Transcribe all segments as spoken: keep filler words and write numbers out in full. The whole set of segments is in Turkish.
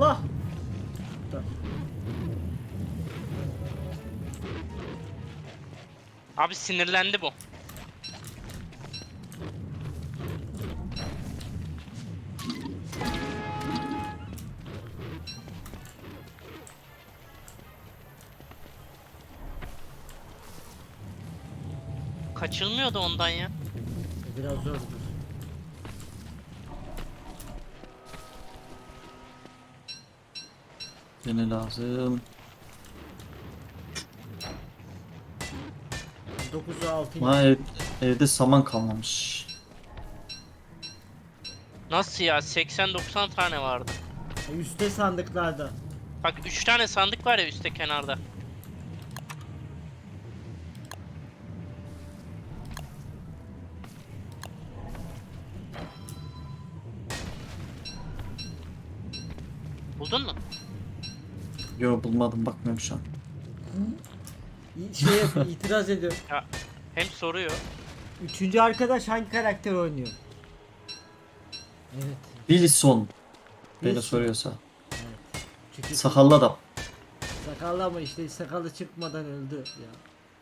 Allah. Abi sinirlendi bu. Kaçılmıyordu ondan ya. Biraz zordur. Yine lazım. dokuza altı. Ha, ev, evde saman kalmamış. Nasıl ya? seksen doksan tane vardı. Üste sandıklarda. Bak üç tane sandık var ya üstte kenarda. Buldun mu? Yo, bulmadım, bakmıyorum şu an. Şey yap- itiraz ediyor. Ya hem soruyor. Üçüncü arkadaş hangi karakter oynuyor? Evet. Wilson beni Wilson. soruyorsa. Evet. Çünkü Sakallı adam. sakallı ama işte sakalı çıkmadan öldü ya.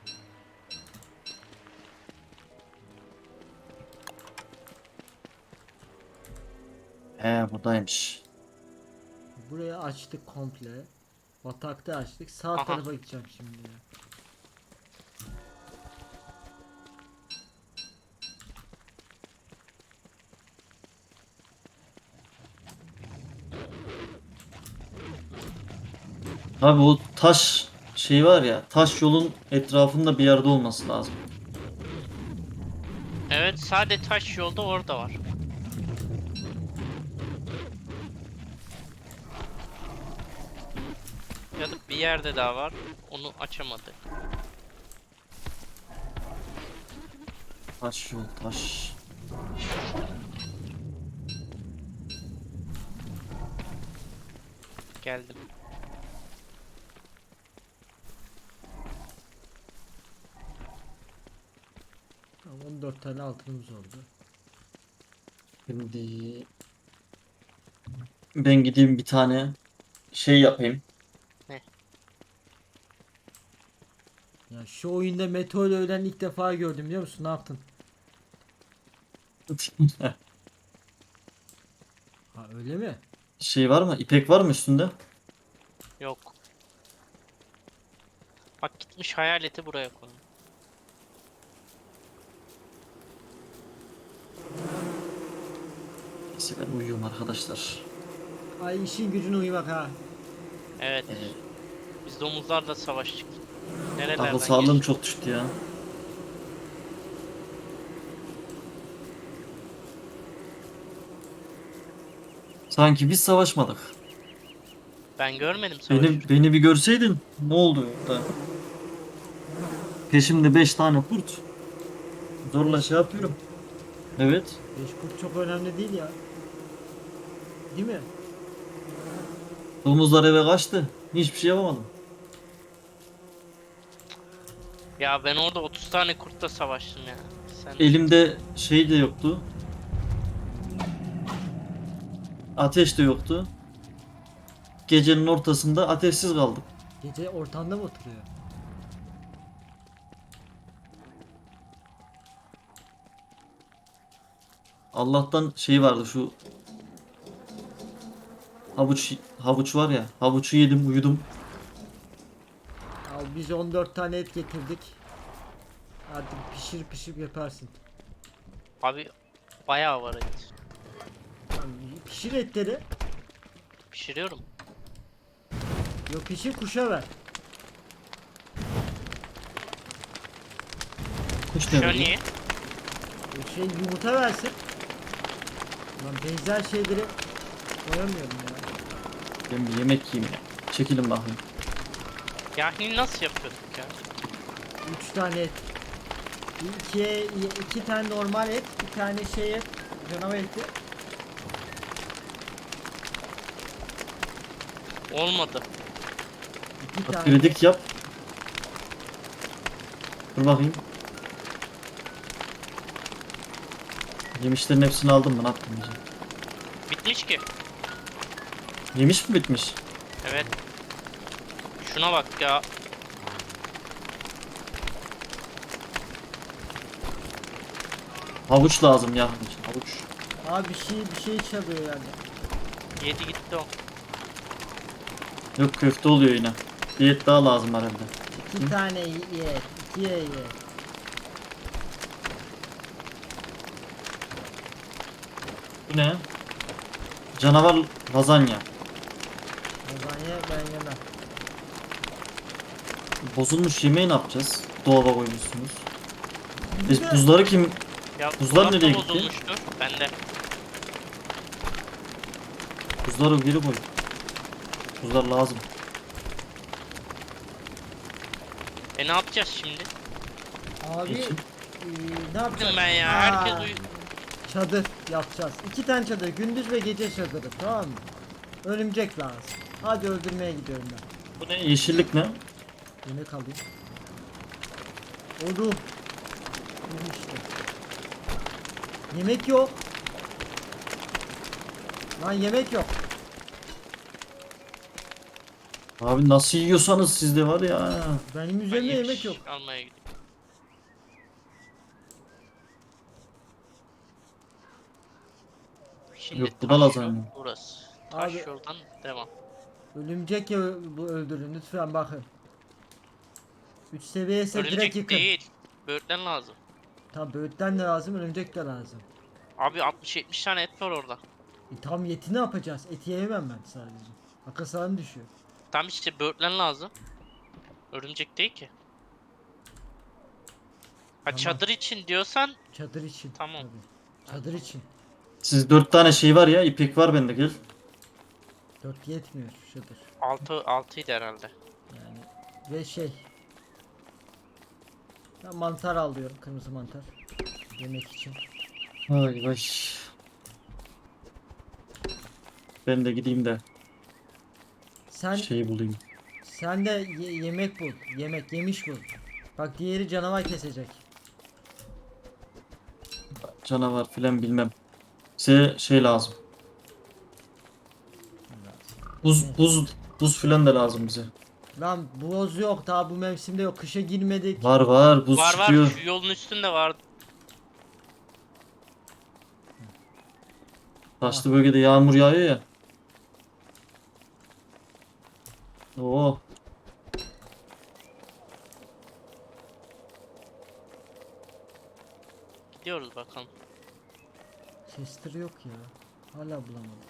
He, buradaymış. Burayı açtık komple. Batakta açtık. Sağ Aha. tarafa gideceğim şimdi ya. Abi o taş şey var ya, taş yolun etrafında bir yerde olması lazım. Evet sadece taş yolda orada var. Ya da bir yerde daha var. Onu açamadı. Taş yol, taş. Geldim. Tamam, on dört tane altınımız oldu. Şimdi ben gideyim bir tane şey yapayım. Ya şu oyunda meteor ölen ilk defa gördüm, biliyor musun? Ne yaptın? Ha, öyle mi? Şey var mı? İpek var mı üstünde? Yok. Bak gitmiş hayaleti buraya koymuş. Neyse, ben uyuyorum arkadaşlar. Ay, işin gücüne uyumak ha. Evet. Ee, Biz domuzlarla savaştık. akıl Nerelerden sağlığım geçtik? çok düştü ya. Sanki biz savaşmadık. Ben görmedim savaşı. Beni, beni bir görseydin ne oldu da? Peşimde beş tane kurt. Zorla şey yapıyorum. Evet. Beş kurt çok önemli değil ya. Değil mi? Domuzlar eve kaçtı. Hiçbir şey yapamadım. Ya ben orada otuz tane kurtla savaştım ya. Sen Elimde şey de yoktu. Ateş de yoktu. Gecenin ortasında ateşsiz kaldık. Gece ortamda mı oturuyor? Allah'tan şey vardı, şu havuç havuç var ya. Havucu yedim, uyudum. Al, biz on dört tane et getirdik. Artık pişir pişir yaparsın. abi bayağı var et. Tamam, pişir etleri. Pişiriyorum. Yok, pişir, kuşa ver. Kuş ne Şu bileyim. niye? Bir şey yumurta versin. Lan benzer şeyleri koyamıyorum ya. Ben bir yemek yiyeyim ya. Çekilin bakayım. Yani nasıl yapıyorduk ya? Üç tane et. İki, iki tane normal et, bir tane şey et, canavar eti. Olmadı. İki tane. Kritik yap. Dur bakayım. Yemişlerin hepsini aldım mı? Ne yaptım diyeceğim. Bitmiş ki. Yemiş mi bitmiş? Evet. Şuna bak ya. Havuç lazım ya. Havuç. Abi bir şey bir şey çalıyor yani. Yedi gitti o. Yok, köfte oluyor yine. Bir et daha lazım herhalde. İki Hı? tane ye. İki ye ye. Bu ne? Canavar lazanya. Lazanya ben yemem. Bozulmuş yemeği ne yapacağız? Dolaba koymuşsunuz. Bir Biz de- buzları kim? Ya Buzlar dolapta nereye gitti? bozulmuştur. Bende. Buzları geri koy. Buzlar lazım. E ne yapacağız şimdi? Abi Geçin. eee, ne yapacağız? Ben ya Aa, herkes uyu. Çadır yapacağız. İki tane çadır. Gündüz ve gece çadırı. Tamam mı? Örümcek lazım. Hadi öldürmeye gidiyorum ben. Bu ne? Yeşillik ne? Yemek alayım. Oğlum. Yemek işte. Yemek yok. Lan yemek yok. Abi nasıl yiyorsanız sizde var ya. Benim Ben üzerimde yemiş yemek yok. almaya gidiyorum. Şimdi Yok, bu taş da yol lazanya. burası. Taş Abi- yoldan devam. Örümcek ya bu öldürün lütfen bakın. üç seviye ise direkt Örümcek yıkın. değil. Böğürtlen lazım. Tam böğürtlen de lazım, örümcek de lazım. Abi altmış yetmiş tane et var orada. E, tam yeti ne yapacağız? Eti yemem ben sadece. Akıl sağlığım düşüyor. Tam işte böğürtlen lazım. Örümcek değil ki. Ha Tamam. çadır için diyorsan Çadır için. Tamam. Tabii. Çadır için. Siz dört tane şey var ya. İpek var bende, gel. Dört yetmiyor şu çadır. altı altıydı herhalde. Yani ve şey. Ben mantar alıyorum, kırmızı mantar. Yemek için. Vay vay. Ben de gideyim de Sen şeyi bulayım. sen de ye- yemek bul. Yemek, yemiş bul. Bak diğeri canavar kesecek. Canavar filan bilmem. Size şey lazım. Buz buz buz filan da lazım bize. Lan boz yok, daha bu mevsimde yok. Kışa girmedik. Var var, buz Var var çıkıyor. şu yolun üstünde var. Taşlı bölgede yağmur yağıyor ya. Oo. Gidiyoruz bakalım. Chester yok ya. Hala bulamadım.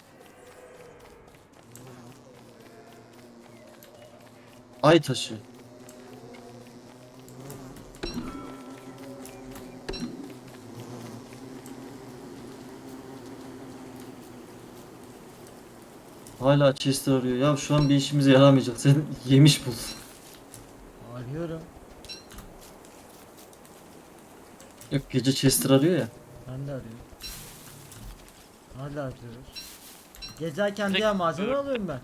Ay taşı. Hala Chester arıyor. Ya şu an bir işimize yaramayacak. Sen yemiş bul. Arıyorum. Yok, gece Chester arıyor ya. Ben de arıyorum. Hala arıyoruz. Gezerken Direkt diğer malzeme böğür- alıyorum ben.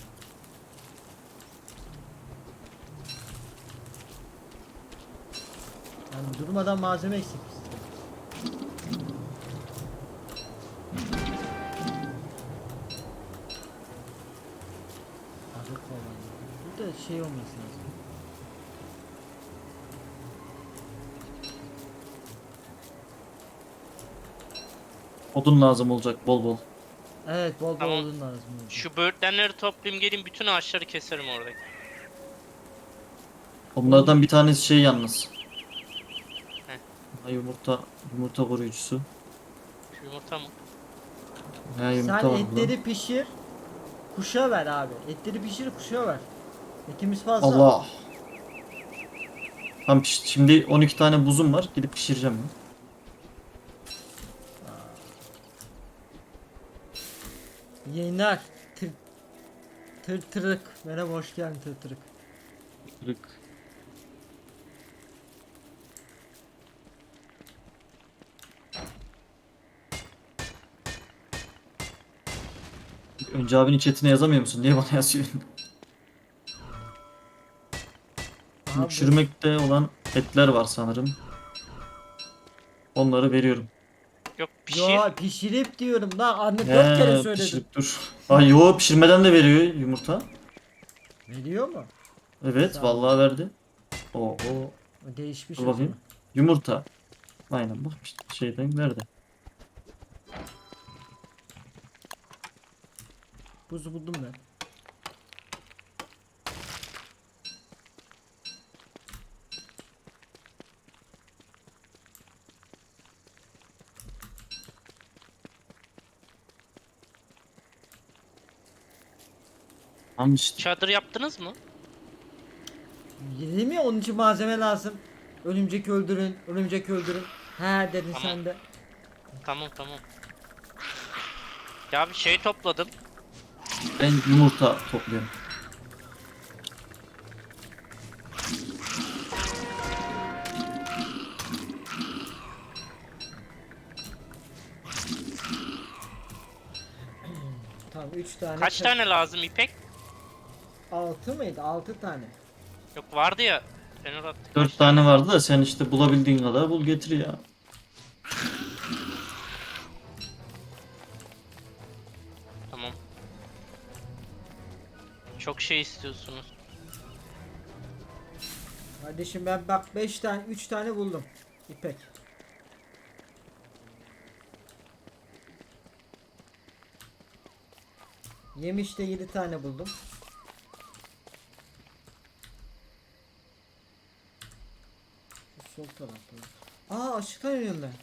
Yani durmadan malzeme eksik bizde. Arık falan. Burada şey olması lazım. Odun lazım olacak bol bol. Evet, bol bol Tamam. odun lazım. olacak. Şu böğürtlenleri toplayayım gelin bütün ağaçları keserim oradaki. Onlardan bir tanesi şey yalnız. Heh. Ha, yumurta yumurta koruyucusu. Şu yumurta mı? Ha, yumurta Sen var etleri burada. pişir. Kuşa ver abi. Etleri pişir, kuşa ver. Etimiz fazla. Allah. Tamam, piş- şimdi on iki tane buzum var. Gidip pişireceğim ben. Yayınlar. Tır, tır tırık. Merhaba, hoş geldin tır tırık. Kırık. Önce abinin chatine yazamıyor musun? Niye bana yazıyorsun? Aha, bu- Çürümekte olan etler var sanırım. Onları veriyorum. Yok pişir. Yo pişirip diyorum lan anne He, dört kere söyledim. pişirip dur. Ay yo, pişirmeden de veriyor yumurta. Veriyor mu? Evet Sağ ol. vallahi verdi. Oo, O değişmiş dur o bakayım. zaman. Yumurta. Aynen bak işte şeyden verdi. Buzu buldum ben. Tamam işte. Çadır yaptınız mı? Yedi mi? Onun için malzeme lazım. Örümcek öldürün, örümcek öldürün. He dedin Tamam. sen de. Tamam tamam. Ya bir şey topladım. Ben yumurta topluyorum. Tamam üç tane. Kaç çat- tane lazım ipek? Altı mıydı? Altı tane. Yok vardı ya. Fenur attı. Kaç Dört tane vardı da sen işte bulabildiğin kadar bul getir ya. Tamam. Çok şey istiyorsunuz. Kardeşim ben bak beş tane, üç tane buldum. İpek. Yemiş de yedi tane buldum. Şu sol tarafta. Aa aşıktan ölüyorum ben.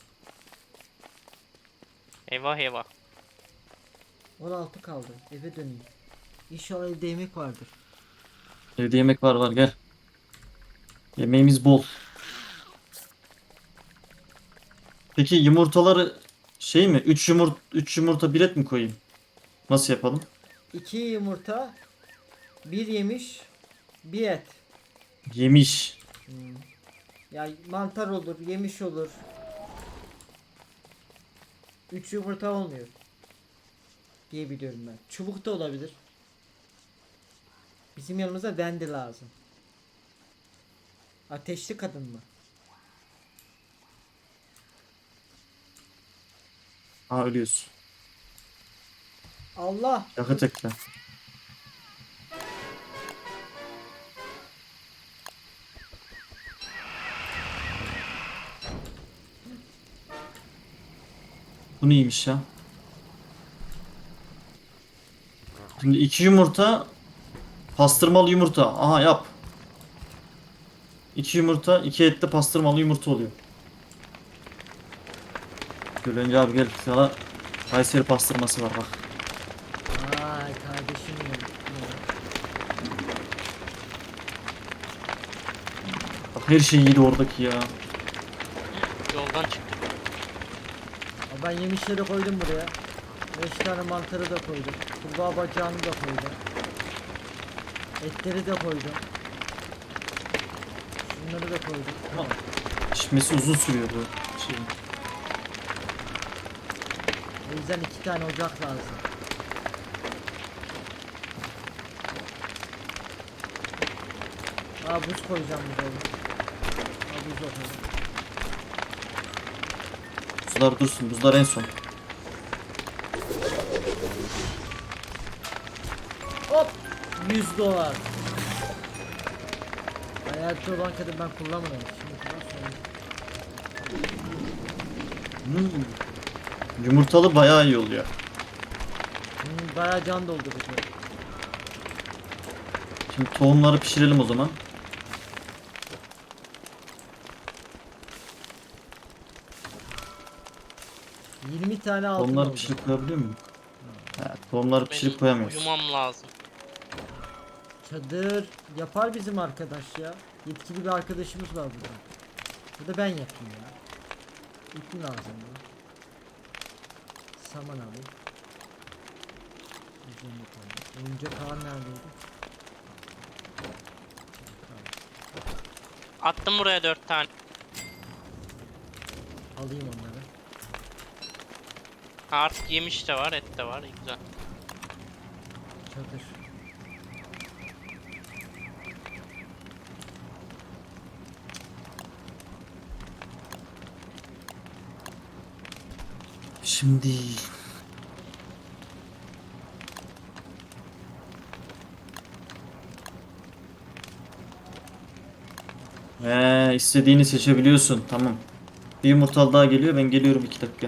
Eyvah eyvah. on altı kaldı. Eve döneyim. İnşallah evde yemek vardır. Evde yemek var var gel. Yemeğimiz bol. Peki yumurtaları şey mi? üç yumurta üç yumurta bir et mi koyayım? Nasıl yapalım? iki yumurta, bir yemiş, bir et. Yemiş. Hmm. Ya mantar olur, yemiş olur. üç yumurta olmuyor. Diye biliyorum ben. Çubuk da olabilir. Bizim yanımıza Wendy lazım. Ateşli kadın mı? Ha ölüyorsun. Allah! Yakıt ekle. Bu neymiş ya? Şimdi iki yumurta, pastırmalı yumurta. Aha yap. İki yumurta, iki etli pastırmalı yumurta oluyor. Gülünce abi gel sana Kayseri pastırması var bak. Ay kardeşim benim. Bak her şey iyiydi oradaki ya. Yoldan çıktım. Aa, ben yemişleri koydum buraya. beş tane mantarı da koydum. Kurbağa bacağını da koydum. Etleri de koydum. Şunları da koydum. Tamam. Pişmesi uzun sürüyor bu şeyin. O yüzden iki tane ocak lazım. Aa buz koyacağım buraya. Aa buz da koydum. Buzlar dursun. Buzlar en son. Hop! yüz dolar. Hayatı olan kadın ben kullanmıyorum. Şimdi kullan sonra. Hmm. Yumurtalı bayağı iyi oluyor. Hmm, bayağı can doldurucu. Şimdi tohumları pişirelim o zaman. yirmi tane altın Tohumları oldu. pişirip koyabiliyor muyum? He, tohumları pişirip Benim koyamıyoruz. uyumam lazım. Çadır yapar bizim arkadaş ya. Yetkili bir arkadaşımız var burada. Bu da ben yapayım ya. İpin lazım ya. Saman alayım. Üzerine koyayım. Oyuncak ağır neredeydi? Attım buraya dört tane. Alayım onları. Ha, artık yemiş de var, et de var. Güzel. Çadır. şimdi? Ee, istediğini seçebiliyorsun. Tamam. Bir yumurtalı daha geliyor. Ben geliyorum iki dakika.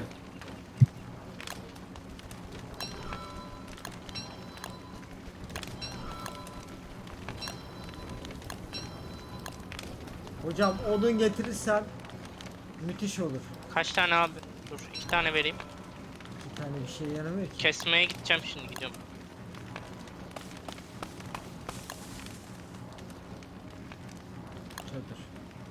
Hocam odun getirirsen müthiş olur. Kaç tane abi? Dur iki tane vereyim. Bir tane bir şey yaramıyor ki. Kesmeye gideceğim şimdi gidiyorum. Çadır.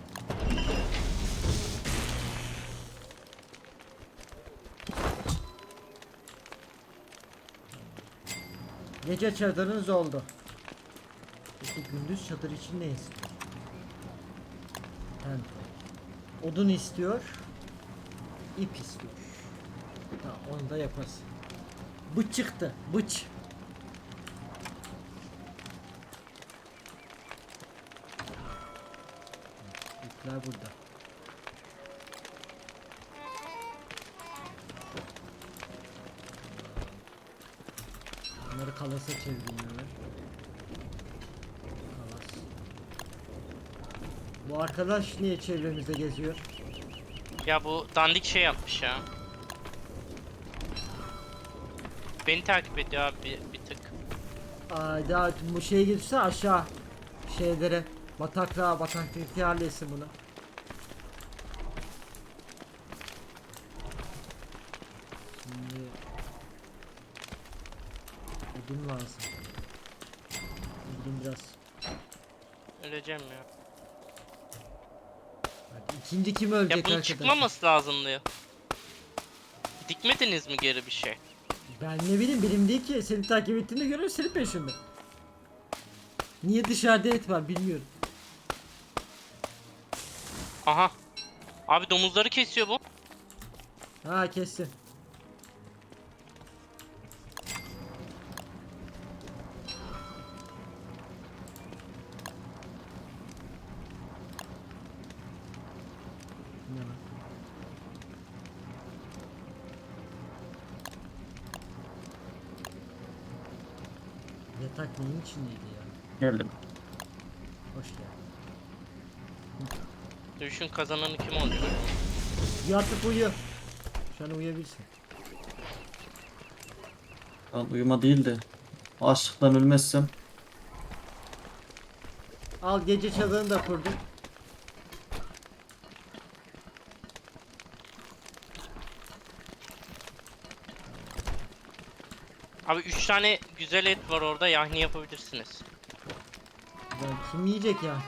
Gece çadırınız oldu. Peki gündüz çadır için ne istiyor? Tent. Odun istiyor. İp istiyor. Tamam onu da yaparız. Bıç çıktı. Bıç. İpler burada. Bunları kalasa çevireyim hemen. Kalas. Bu arkadaş niye çevremizde geziyor? Ya bu dandik şey yapmış ya. Beni takip ediyor abi bir, bir tık. Ay daha bu şeye gitse aşağı şeylere bataklığa bataklık yerlesin bunu. Şimdi odun lazım. Odun biraz. Öleceğim ya. Hadi ikinci kim ölecek Ya bunun arkadaşlar? çıkmaması lazımdı ya. Dikmediniz mi geri bir şey? Ben ne bileyim benim değil ki seni takip ettiğini göre senin peşinde. Niye dışarıda et var bilmiyorum. Aha. Abi domuzları kesiyor bu. Ha kesin. Ne lan? Yatak neyin içindeydi ya? Geldim. Hoş geldin. Dövüşün kazananı kim olacak? Yatıp uyu. Şu an uyuyabilirsin. Ben uyuma değil de açlıktan ölmezsem. Al gece çadırını da kurdum. Abi üç tane güzel et var orada yahni yapabilirsiniz. Ya kim yiyecek ya?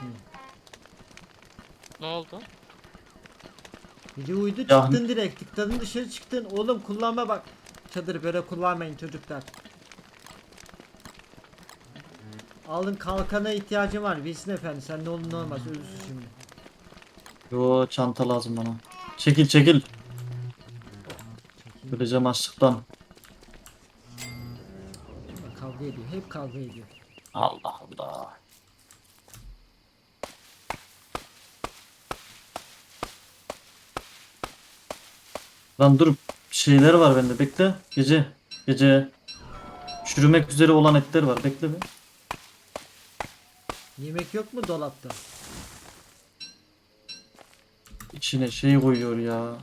Ne oldu? Gece uyudu Ya- çıktın direkt tıkladın dışarı çıktın. Oğlum kullanma bak. Çadırı böyle kullanmayın çocuklar. Alın kalkana ihtiyacım var. Bilsin efendi sen ne olur ne olmaz ölürsün şimdi. Yo çanta lazım bana. Çekil çekil. Çekil. Öleceğim açlıktan. Kavga ediyor. Hep kavga ediyor. Allah Allah. Lan dur şeyler var bende bekle. Gece. Gece. Çürümek üzere olan etler var bekle be. Yemek yok mu dolapta? İçine şey koyuyor ya.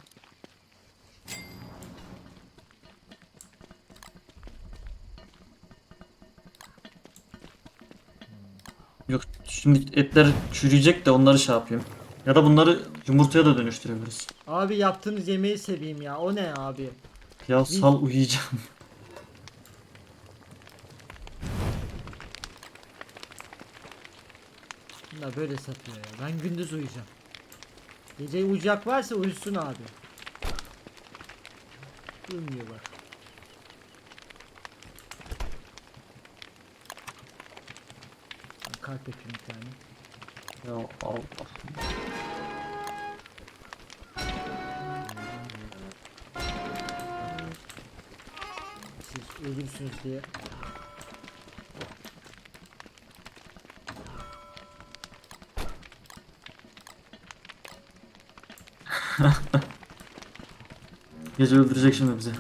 Yok şimdi etler çürüyecek de onları şey yapayım. Ya da bunları yumurtaya da dönüştürebiliriz. Abi yaptığınız yemeği seveyim ya. O ne abi? Ya sal uyuyacağım. Bunlar böyle satıyor ya. Ben gündüz uyuyacağım. Gece uyuyacak varsa uyusun abi. Uyumuyor bak. Ben kalp yapayım bir tane. Ya Allah. Siz ölürsünüz diye. Gece öldürecek şimdi bizi.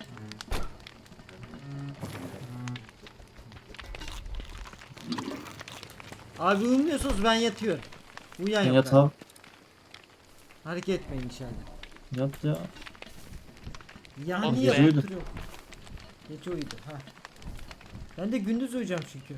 Abi uyumuyorsunuz, ben yatıyorum. Uyuyan Sen yok. yat abi. abi. Hareket etmeyin içeride. Yat ya. Ya Oğlum, niye gece uyudu. oturuyor? Gece uyudu. Ha. Ben de gündüz uyuyacağım çünkü.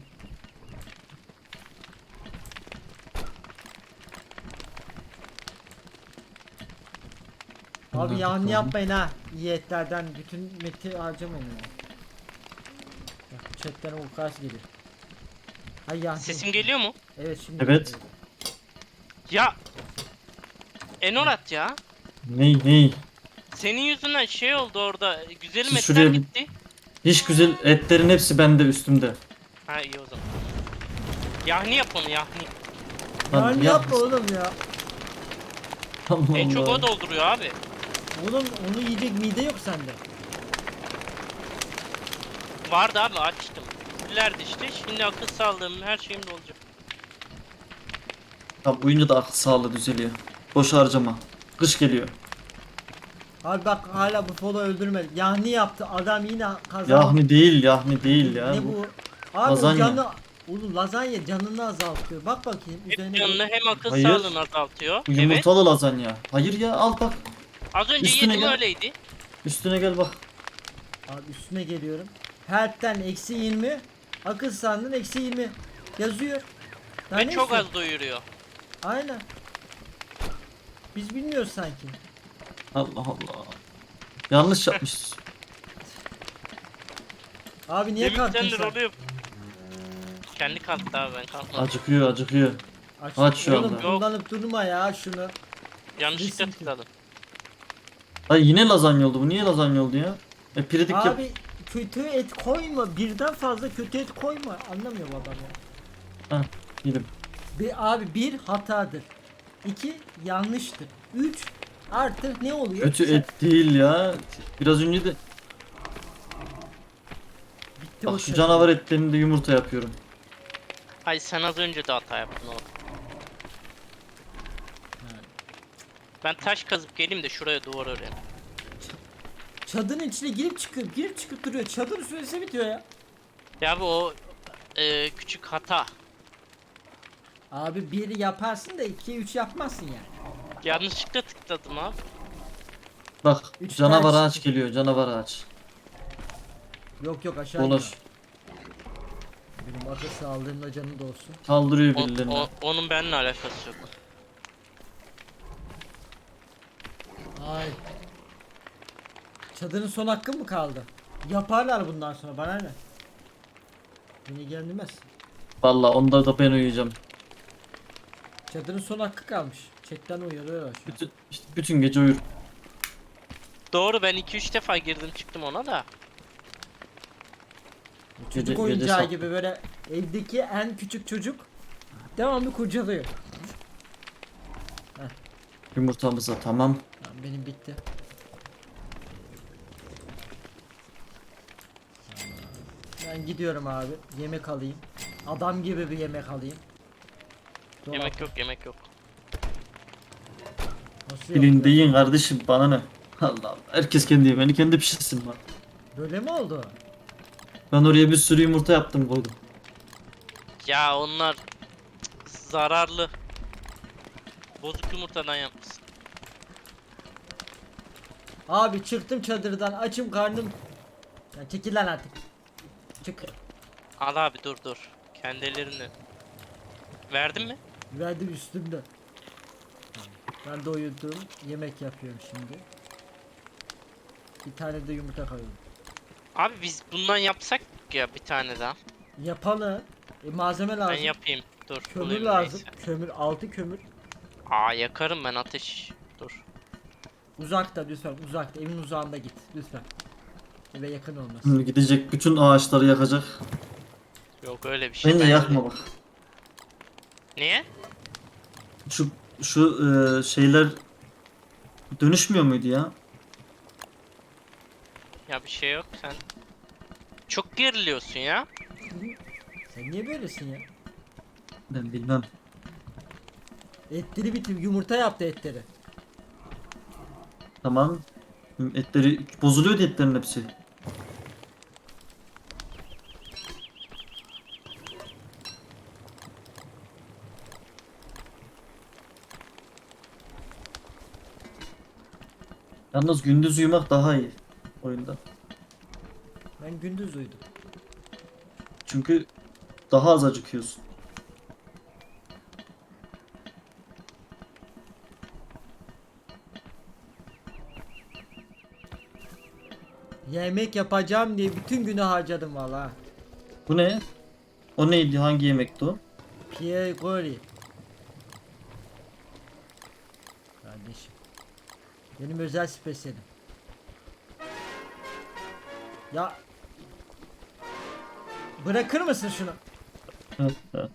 Abi Nerede yani kaldı? yapmayın ha. İyi etlerden bütün meti harcamayın yani. Bak chatten o kaç geliyor. Hay ya. Sesim geliyor mu? Evet şimdi. Evet. Ya Enorat ya. Ney ney? Senin yüzünden şey oldu orada. Güzelim Siz etler şuraya bir- gitti. Hiç güzel etlerin hepsi bende üstümde. Ha iyi o zaman. Yahni yap onu yahni. Lan Yani yap. yapma oğlum ya. Allah En çok Allah. o dolduruyor abi. Oğlum onu yiyecek mide yok sende. Vardı abi açtım. İleride işte. Şimdi akıl sağlığım her şeyim de olacak. Tamam uyuyunca da akıl sağlığı düzeliyor. Boş harcama. Kış geliyor. Abi bak hala bu folu öldürmedi. Yani yaptı adam yine kazandı. Yahni değil yahni değil ya. Ne Bu- bu? Abi lazanya. canı oğlum lazanya canını azaltıyor. Bak bakayım Hem üzerine. canını hem akıl Hayır. sağlığını azaltıyor. Bu Evet. yumurtalı lazanya. Hayır ya al bak. Az önce Üstüne yedim gel. öyleydi. Üstüne gel bak. Abi üstüne geliyorum. Health'ten eksi yirmi. Akıl sağlığından eksi yirmi. Yazıyor. Daha Ve ne çok istiyor? az doyuruyor. Aynen. Biz bilmiyoruz sanki. Allah Allah. Yanlış yapmışız. Abi niye kalktın Demişlerdir sen? oluyor. Kendi kalktı abi ben kalkmadım. Acıkıyor acıkıyor. Aç, Aç şu oğlum anda. kullanıp durma ya şunu. Yanlışlıkla Resim- tıkladım. Ay yine lazanya oldu bu. Niye lazanya oldu ya? E piredik yap. Abi kötü et koyma. Birden fazla kötü et koyma. Anlamıyor bu adam ya. Heh, yedim. Bir, abi bir hatadır. İki yanlıştır. Üç artık ne oluyor? Kötü Sen- et değil ya. Biraz önce de Bitti o bak şu şey. canavar etlerinde yumurta yapıyorum. Ay sen az önce de hata yaptın oğlum. Ben taş kazıp geleyim de şuraya duvar öreyim. Çadırın içine girip çıkıp girip çıkıp duruyor. Çadır süresi bitiyor ya. Ya bu o e, küçük hata. Abi bir yaparsın da iki üç yapmazsın yani. Yanlışlıkla tıkladım abi. Bak Üç canavar tane ağaç çıktı. geliyor canavar ağaç. Yok yok aşağı Dolaş. iniyor. Benim akıl sağlığımla canı da olsun. Saldırıyor O, birilerine. o- onun benimle alakası yok. Ay. Çadırın son hakkı mı kaldı? Yaparlar bundan sonra bana ne? Beni ilgilendirmez. Vallahi onda da ben uyuyacağım. Çadırın son hakkı kalmış. Chatten uyarıyorlar şu an. Bütün, işte bütün gece uyur. Doğru ben iki üç defa girdim çıktım ona da. Çocuk Gece- oyuncağı gece gibi böyle evdeki en küçük çocuk devamlı kurcalıyor. Yumurtamıza tamam. Tamam, benim bitti. Ben gidiyorum abi. Yemek alayım. Adam gibi bir yemek alayım. Dolap- Yemek yok yemek yok. Nasıl yok Bilin ya? deyin kardeşim bana ne? Allah Allah. Herkes kendi yemeğini kendi pişirsin bak. Böyle mi oldu? Ben oraya bir sürü yumurta yaptım koydum. Ya onlar zararlı. Bozuk yumurtadan yapmışsın. Abi çıktım çadırdan açım karnım. Ya çekil lan artık. Çık. Al abi dur dur. Kendi ellerini. Verdin mi? Verdim üstümde. Ben de uyudum. Yemek yapıyorum şimdi. Bir tane de yumurta koyuyorum. Abi biz bundan yapsak ya bir tane daha. Yapalım. E, malzeme Ben lazım. yapayım. Dur. Kömür bulayım lazım. neyse. Kömür, altı kömür. Aa yakarım ben ateş. Dur. Uzakta lütfen, uzakta. Evin uzağında git lütfen. Eve yakın olmaz. Şimdi gidecek bütün ağaçları yakacak. Yok öyle bir şey. Bence Ben yakma öyle- bak. Niye? Şu şu e, şeyler dönüşmüyor muydu ya? Ya bir şey yok sen. Çok geriliyorsun ya. Sen niye böylesin ya? Ben bilmem. Etleri bitir, yumurta yaptı etleri. Tamam. Etleri bozuluyor diye etlerin hepsi. Yalnız gündüz uyumak daha iyi oyunda. Ben gündüz uyudum. Çünkü daha az acıkıyorsun. Yemek yapacağım diye bütün günü harcadım valla. Bu ne? O neydi? Hangi yemekti o? Pierre Gori. Kardeşim. Benim özel spesiyelim. Ya. Bırakır mısın şunu? Evet, evet.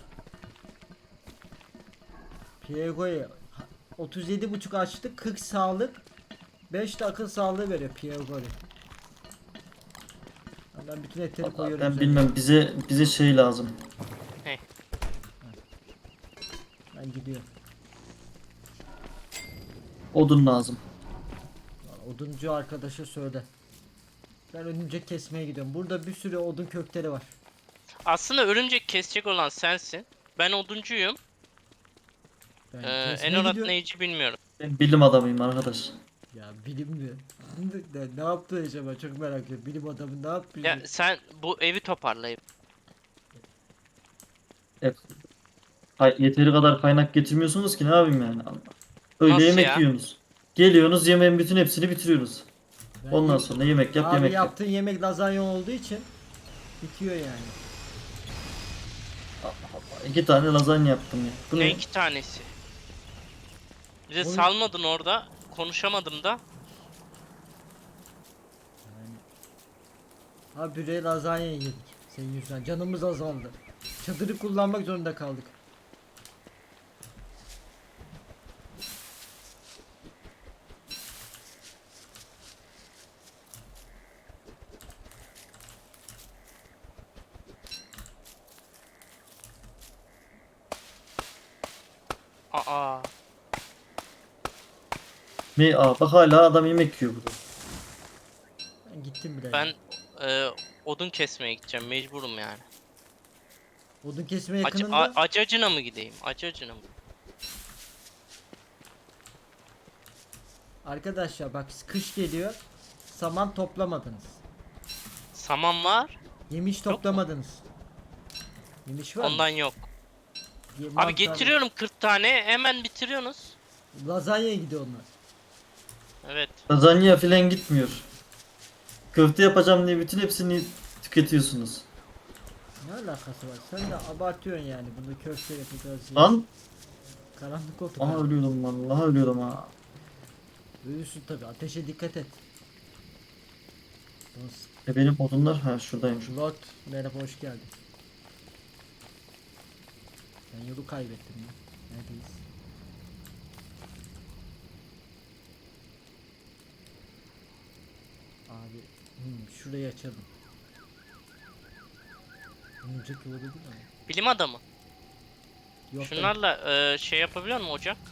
Pierre Gori. otuz yedi buçuk açtık. kırk sağlık. beş de akıl sağlığı veriyor Pierre Gori. Ben bütün etleri Vallahi koyuyorum. ben üzerine. bilmem, bize bize şey lazım. Ben gidiyorum. Odun lazım. Oduncu arkadaşa söyle. Ben örümcek kesmeye gidiyorum. Burada bir sürü odun kökleri var. Aslında örümcek kesecek olan sensin. Ben oduncuyum. Ben Ee, kesmeye Enorat gidiyorum. neyici bilmiyorum. Ben bilim adamıyım arkadaş. Ya bilim mi? Ne, ne yaptı acaba çok merak ediyorum. Bilim adamı ne yapıyor? Ya sen bu evi toparlayıp Evet. Hay- Yeteri kadar kaynak getirmiyorsunuz ki ne yapayım yani. Öyle Nasıl yemek ya? yiyorsunuz. Geliyorsunuz yemeğin bütün hepsini bitiriyoruz. Ben Ondan yem- sonra yemek yap Abi yemek yap. yaptığın yemek lazanya olduğu için bitiyor yani. Allah Allah. İki tane lazanya yaptım ya. Bu ne ne? iki tanesi. Bir de Oy. salmadın orada. Konuşamadım da. Abi buraya lazanya yedik. Senin yüzünden canımız azaldı. Çadırı kullanmak zorunda kaldık. Aa. Ne? Aa, bak hala adam yemek yiyor burada. Ben gittim bile. Ben e, odun kesmeye gideceğim. Mecburum yani. Odun kesme Ac yakınında. a- acacına mı gideyim? Acacına mı? Arkadaşlar bak kış geliyor. Saman toplamadınız. Saman var. Yemiş mu? toplamadınız. Yemiş var Ondan mı? yok. Ye- Abi mantar- getiriyorum kırk tane. Hemen bitiriyorsunuz. Lazanyaya gidiyor onlar. Evet. Lazanya filan gitmiyor. Köfte yapacağım diye bütün hepsini tüketiyorsunuz. Ne alakası var? Sen de abartıyorsun yani bunu köfte yapacağız diye. Lan. Karanlık oldu. Aha ölüyordum vallahi ölüyordum ha. Ölürsün tabi. Ateşe dikkat et. Dost. E benim odunlar ha şuradaymış. Lord merhaba hoş geldin. Ben yolu kaybettim ya. Neredeyiz? Abi hmm, şurayı açalım. Önce yolu değil mi? Bilim adamı. Yok, ben- Şunlarla e, şey yapabiliyor musun ocak?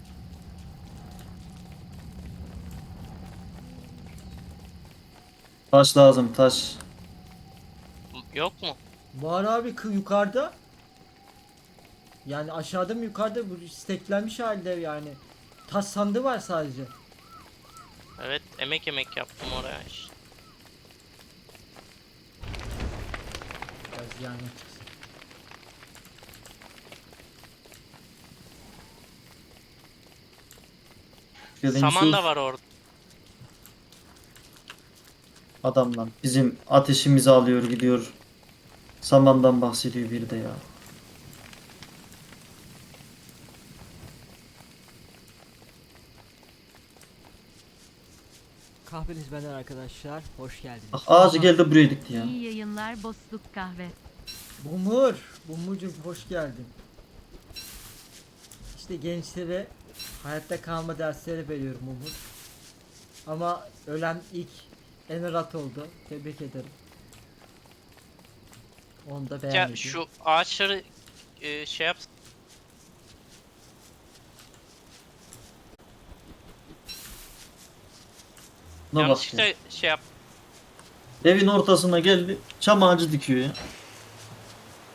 Taş lazım taş. Yok mu? Var abi kı yukarıda. Yani aşağıda mı yukarıda bu steklenmiş halde yani. Taş sandığı var sadece. Evet, emek emek yaptım oraya işte. Biraz yani çıksın. Gelin Saman Yusuf, da var orada. adamlar bizim ateşimizi alıyor gidiyor. Samandan bahsediyor bir de ya. Kahveniz benden arkadaşlar. Hoş geldiniz. Bak ağacı geldi buraya dikti ya. İyi yayınlar Bosluk Kahve. Bumur. Bumurcuğum hoş geldin. İşte gençlere hayatta kalma dersleri veriyorum Umut. Ama ölen ilk Enerat oldu. Tebrik ederim. Onu da Ya beğenmedim. şu ağaçları e, şey yap. Şuna bak ya. Yanlışlıkla şey yap. Evin ortasına geldi. Çam ağacı dikiyor ya.